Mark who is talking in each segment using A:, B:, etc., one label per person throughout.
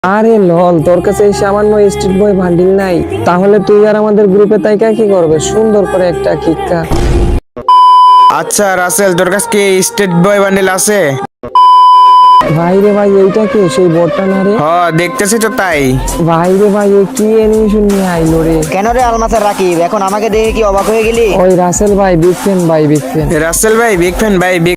A: আরে লল, তোর কাছে এই সামান্য স্ট্রিট বয় বান্ডিল নাই? তাহলে তুই আর আমাদের গ্রুপে তাইকা কি করবে? সুন্দর করে একটা কিক্কা।
B: আচ্ছা রাসেল, তোর কাছে কি স্টেট বয় বান্ডেল আছে?
A: ভাই রে ভাই, এইটা কে? সেই বটটা না রে?
B: হ, দেখতেছি তো তাই।
A: ভাই রে ভাই, এই কি অ্যানিমেশন নিয়ে আইলো রে?
C: কেন রে আলমাসের রাকিব, এখন আমাকে দেখে কি অবাক হয়ে গেলি?
A: ওই রাসেল ভাই, বিগ ফ্যান ভাই, বিগ ফ্যান।
B: রাসেল ভাই বিগ ফ্যান ভাই, big.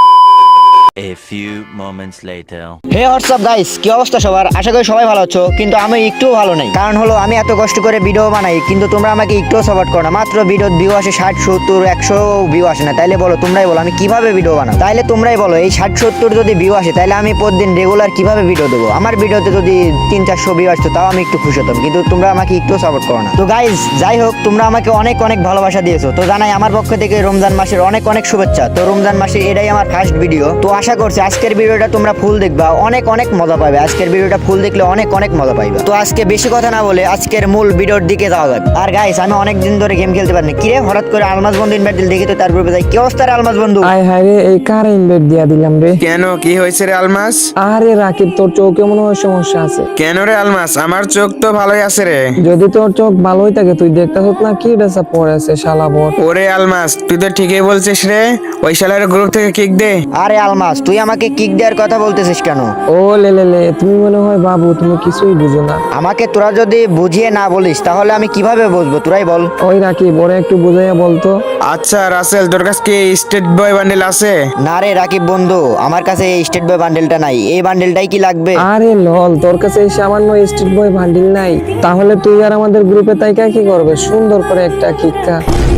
D: A few moments later.
C: Hey what's up guys, কি অবস্থা সবার? আশা করি সবাই ভালো আছো, কিন্তু আমি একটু ভালো নাই। কারণ হলো আমি এত কষ্ট করে ভিডিও বানাই, কিন্তু তোমরা আমাকে একটু সাপোর্ট করো না। মাত্র ভিডিও ভিউ আসে 60, 70, 100 ভিউ আসে না। তাইলে বলো, তোমরাই বলো আমি কিভাবে ভিডিও বানাবো? তাইলে তোমরাই বলো, এই 60, 70 যদি ভিউ আসে, তাইলে আমি প্রতিদিন রেগুলার কিভাবে ভিডিও দেবো? আমার ভিডিওতে যদি 300-400 ভিউ আসতো, তাও আমি একটু খুশি হতাম, কিন্তু তোমরা আমাকে একটু সাপোর্ট করো না। তো গাইস, যাই হোক, তোমরা আমাকে অনেক অনেক ভালোবাসা দিয়েছো, তো জানাই আমার পক্ষ থেকে রমজান মাসের অনেক অনেক শুভেচ্ছা। তো রমজান মাসের এটাই আমার ফার্স্ট ভিডিও, তো আশা করছি আজকের ভিডিওটা তোমরা ফুল দেখবা, অনেক অনেক মজা পাবে। আজকের ভিডিওটা ফুল দেখলে অনেক অনেক মজা পাইবা। তো আজকে বেশি কথা না বলে আজকের মূল ভিডিওর দিকে যাওয়া যাক। আর গাইস, আমি অনেক দিন ধরে গেম খেলতে পারিনি। কিরে, হঠাৎ করে আলমাস বন্ধু ইনভাইট দিল, দেখি তো তার গ্রুপে যাই। কি অবস্থা রে আলমাস বন্ধু?
A: আয় হায় রে, এই কার ইনভাইট দিয়া দিলাম রে?
B: কেন, কি হয়েছে রে আলমাস?
A: আরে রাকিব, তোর চোখে মনে হয় সমস্যা আছে।
B: কেন রে আলমাস, আমার চোখ তো ভালোই আছে রে।
A: যদি তোর চোখ ভালোই থাকে, তুই দেখতেছ না কি ড্রেস পরে আছে শালা বট।
B: ওরে আলমাস, তুই তো ঠিকই বলছিস রে। ওই শালার গ্রুপ থেকে কিক দে।
C: আরে আলমাস, তুই আমাকে কিক দেওয়ার কথা বলতেছিস কেন?
A: ও লে লে লে, তুমি মনে হয় বাবু, তুমি কিছুই বুঝো না।
C: আমাকে তোরা যদি বুঝিয়ে না বলিস, তাহলে আমি কিভাবে বুঝবো? তোরাই বল।
A: ওই রাকিব, ওরে একটু বুঝাইয়া বলতো।
B: আচ্ছা রাসেল, তোর কাছে কি স্টেট বয় বান্ডেল আছে?
C: না রে রাকিব বন্ধু, আমার কাছে এই স্টেট বয় বান্ডেলটা নাই। এই বান্ডেলটাই কি লাগবে?
A: আরে লল, তোর কাছে এই সামান্য স্ট্রিট বয় বান্ডিল নাই? তাহলে তুই আর আমাদের গ্রুপে তাইকা কি করবে? সুন্দর করে একটা কিক্কা।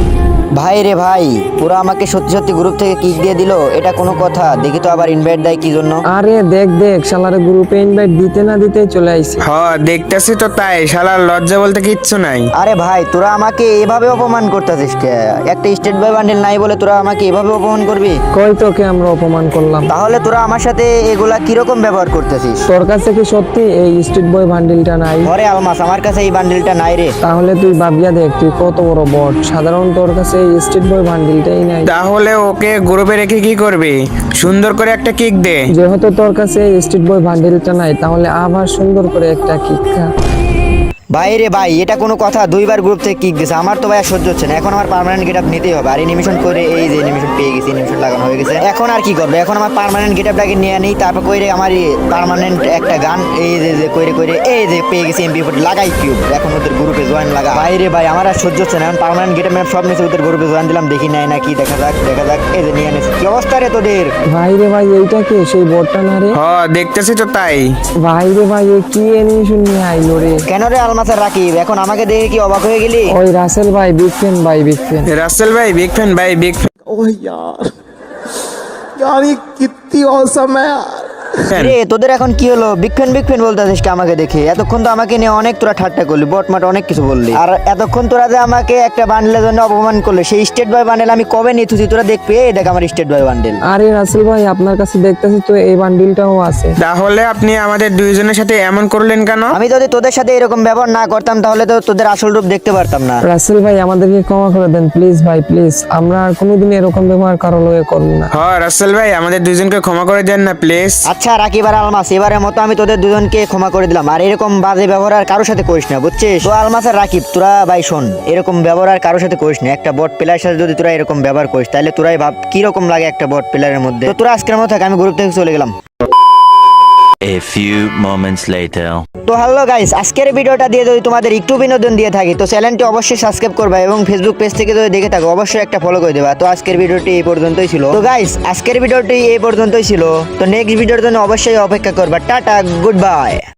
C: ভাই রে ভাই, পুরা আমাকে সত্যি সত্যি গ্রুপ থেকে কিক দিয়ে দিল, এটা কোনো কথা? দেখি তো আবার ইনভাইট দেয় কি জন্য।
A: আরে দেখ দেখ, শালারে গ্রুপে ইনভাইট দিতে না দিতেই চলে আইছে।
B: হ, দেখতেছি তো তাই। শালার লজ্জা বলতে কিচ্ছু নাই।
C: আরে ভাই, তোরা আমাকে এভাবে অপমান করতেছিস কে? একটা স্টেট বয় বান্ডেল নাই বলে তোরা আমাকে এভাবে অপমান করবি?
A: কই তোকে আমরা অপমান করলাম?
C: তাহলে তোরা আমার সাথে এগুলা কিরকম ব্যবহার করতেছিস?
A: তোর কাছে কি সত্যি এই স্ট্রিট বয় বান্ডিলটা নাই?
C: ঘরে আলমাস, আমার কাছে এই বান্ডেলটা নাই রে।
A: তাহলে তুই ভাবিয়া দেখ, তুই কত বড় বট। সাধারণ তোর কাছে এই স্ট্রিট বয় বান্ডিলটাই নাই।
B: তাহলে ওকে গ্রুপে রেখে কি করবি? সুন্দর করে একটা কিক দে।
A: যেহেতু তোর কাছে এই স্ট্রিট বয় বান্ডিলটা নাই, তাহলে আবার সুন্দর করে একটা কিক্কা।
C: ভাই রে ভাই, এটা কোনো কথা? দুইবার গ্রুপ থেকে কিক দিছে, আমার তো ভাই আর সহ্য হচ্ছে না। এখন আমার পার্মানেন্ট গেটআপ নিতেই হবে। আর এনিমেশন করে, এই যে এনিমেশন পেয়ে গেছি, এনিমেশন লাগানো হয়ে গেছে। এখন আর কি করবে? এখন আমার পার্মানেন্ট গেটআপটাকে নিয়ে নিই, তারপর কইরে আমার পার্মানেন্ট একটা গান, এই যে কইরে কইরে, এই যে পেয়ে গেছি MP4 লাগাই কিউব। এখন ওদের গ্রুপে জয়েন লাগা। ভাই রে ভাই, আমার আর সহ্য হচ্ছে না। এখন পার্মানেন্ট গেটআপ সব নিচে ওদের গ্রুপে জয়েন দিলাম, দেখি নাই নাকি, দেখা যাক দেখা যাক। এই যে নিয়ে নিয়েছি। কি অবস্থা রে তোদের?
A: ভাই রে ভাই, এইটা কে? সেই বটটা না রে?
B: হ, দেখতেছি তো তাই।
A: ভাই রে ভাই, এই কি অ্যানিমেশন নিয়ে আইলো রে?
C: কেন রে আলমাসের রাকিব, এখন আমাকে দেখে কি অবাক হয়ে গেলি?
A: ওই রাসেল ভাই, বিগ ফ্যান ভাই, বিগ ফ্যান।
B: রাসেল ভাই বিগ ফ্যান ভাই, বিগ
E: ओह यार यार ये कितनी औसम है यार।
B: ফ্যান।
C: রে, তোদের এখন কি হলো? বিগ ফ্যান বলতেছিস কি আমাকে দেখে? এতক্ষণ তো আমাকে নিয়ে অনেক তোরা ঠাট্টা করলি, বটমাট অনেক কিছু বললি। আর এতক্ষণ তোরা যে আমাকে একটা বান্ডেলের জন্য অপমান করলে, সেই স্টেট বয় বান্ডেল আমি কবে নিয়ে থুছি তোরা দেখবি। এই দেখ আমার স্টেট বয় বান্ডেল।
A: আরে রাসেল ভাই, আপনার কাছে দেখতেছি তো এই বান্ডিলটাও আছে।
B: তাহলে আপনি আমাদের দুইজনের সাথে এমন করলেন কেন?
C: আমি যদি তোদের সাথে এরকম ব্যবহার না করতাম, তাহলে তো তোদের আসল রূপ দেখতে পারতাম না।
A: রাসেল ভাই, আমাদেরকে ক্ষমা করে দেন প্লিজ ভাই, প্লিজ। আমরা আর কোনোদিন এরকম ব্যবহার কারো লগে করব না।
B: হ রাসেল ভাই, আমাদের দুইজনকে ক্ষমা করে দেন না প্লিজ।
C: আচ্ছা রাকিব আর আলমাস, এবারের মতো আমি তোদের দুজনকে ক্ষমা করে দিলাম। আর এরকম বাজে ব্যবহার আর কারোর সাথে করিস না, বুঝছিস? তো আলমাস আর রাকিব, তোরা ভাই শোন, এরকম ব্যবহার আর কারোর সাথে করিস না। একটা বট প্লেয়ারের সাথে যদি তোরা এরকম ব্যবহার করিস, তাহলে তোরাই ভাব কি রকম লাগে একটা বট প্লেয়ারের মধ্যে। তো তোরা আজকের মতো থাক, আমি গ্রুপ থেকে চলে গেলাম।
D: A few moments later.
C: তো হ্যালো গাইস, আজকের ভিডিওটা দিয়ে যদি তোমাদের একটু বিনোদন দিয়ে থাকি, তো চ্যানেলটি অবশ্যই সাবস্ক্রাইব করবা এবং ফেসবুক পেজ থেকে যদি দেখে থাকো, অবশ্যই একটা ফলো করে দেবা। তো আজকের ভিডিওটি এই পর্যন্তই ছিল। তো গাইস, আজকের ভিডিওটি এই পর্যন্তই ছিল। তো নেক্সট ভিডিওর জন্য অবশ্যই অপেক্ষা করবা। টাটা, গুড বাই।